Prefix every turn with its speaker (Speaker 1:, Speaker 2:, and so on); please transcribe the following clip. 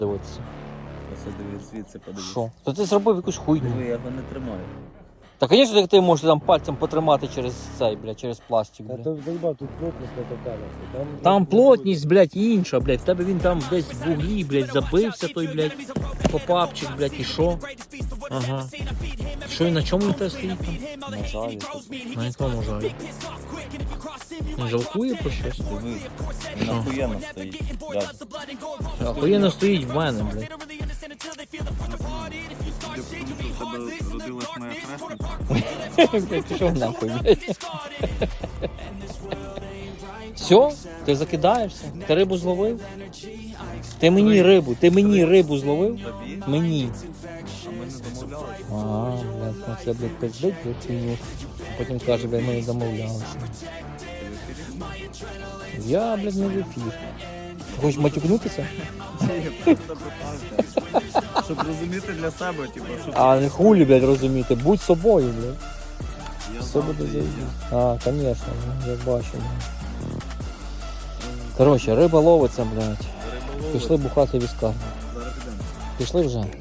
Speaker 1: дивитися.
Speaker 2: Ось дивись, звідси подивись.
Speaker 1: Що? То ти зробив якусь хуйню.
Speaker 2: Диви, я його не тримаю.
Speaker 1: Та, звісно, як ти можеш там пальцем потримати через цей, блядь, через пластик,
Speaker 3: Та
Speaker 1: блядь.
Speaker 3: то заїбав, тут плотність не така.
Speaker 1: Там плотність, блядь, інша, блядь. В тебе він там десь в вуглі, блядь, забився той, блядь, попапчик, блядь, і що? Ага. Що і на чому він тебе стоїть там?
Speaker 2: На жалі.
Speaker 1: На якому жалі? Він жалкує про щось?
Speaker 2: Диви, він охуєнно стоїть. Да.
Speaker 1: Охуєнно стоїть в мене, блядь.
Speaker 2: Родилась моя хресниця.
Speaker 1: Блядь, пішов нахуй, блядь. Все? Ти закидаєшся? Ти рибу зловив? Ти мені рибу зловив?
Speaker 2: Тобі?
Speaker 1: Мені.
Speaker 2: А ми не домовлялися.
Speaker 1: Ага, блядь, ну це, блядь, пиздить, блядь, хуйню. Потім каже, блядь, ми не домовлялися. Я, блядь, не в ефір. Хочеш матюкнутися?
Speaker 2: Я просто питався. Щоб розуміти для себе, типу, щоб...
Speaker 1: А не хулі, блядь, розуміти. Будь собою, блядь.
Speaker 2: Я
Speaker 1: Все
Speaker 2: знав,
Speaker 1: буде
Speaker 2: де є.
Speaker 1: заїбати. А, звісно, я бачу. Коротше, риба ловиться, блядь.
Speaker 2: Риболови.
Speaker 1: Пішли бухати віска.
Speaker 2: Зараз підемо.
Speaker 1: Пішли вже.